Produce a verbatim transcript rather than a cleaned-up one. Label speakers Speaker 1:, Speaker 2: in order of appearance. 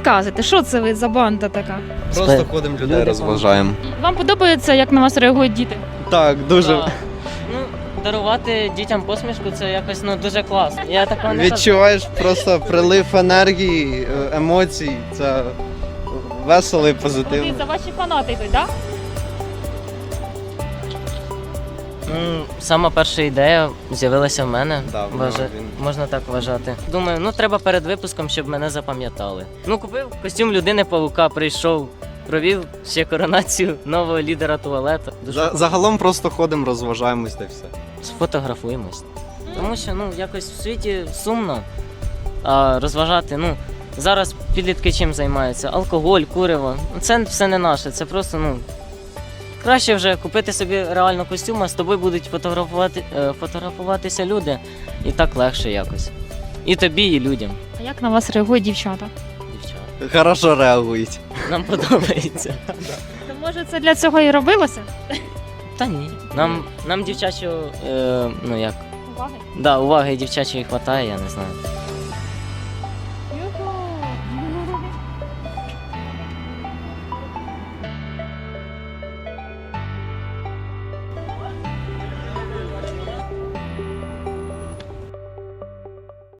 Speaker 1: розказуєте, що це ви за банда така?
Speaker 2: Просто ходимо, людей
Speaker 3: люди
Speaker 2: розважаємо.
Speaker 1: Вам подобається, як на вас реагують діти?
Speaker 2: Так, дуже.
Speaker 3: Так. Ну, дарувати дітям посмішку це якось ну дуже класно. Я такого не
Speaker 2: Відчуваєш просто прилив енергії, е, емоцій. Це весело і позитивно.
Speaker 1: Дивіться, ваші фанати йдуть, так?
Speaker 3: Ну, сама перша ідея з'явилася в мене.
Speaker 2: Да, в
Speaker 3: Вважа-
Speaker 2: нього він.
Speaker 3: Можна так вважати. Думаю, ну треба перед випуском, щоб мене запам'ятали. Ну, купив костюм людини павука, прийшов, провів ще коронацію нового лідера туалету. Дуже
Speaker 2: За- Загалом просто ходимо, розважаємось та й все.
Speaker 3: сфотографуємось. Тому що ну якось в світі сумно а розважати. Ну зараз підлітки чим займаються? Алкоголь, куриво. Ну, це все не наше. Це просто ну краще вже купити собі реально костюм, а з тобою будуть фотографувати, е, фотографуватися люди, і так легше якось. І тобі, і людям.
Speaker 1: А як на вас реагують дівчата?
Speaker 3: Дівчата.
Speaker 2: Хорошо реагують.
Speaker 3: Нам подобається.
Speaker 1: То може це для цього і робилося?
Speaker 3: Та ні. Нам, нам дівчачого, е, ну як,
Speaker 1: Уваги.
Speaker 3: да, уваги дівчачої хватає, я не знаю.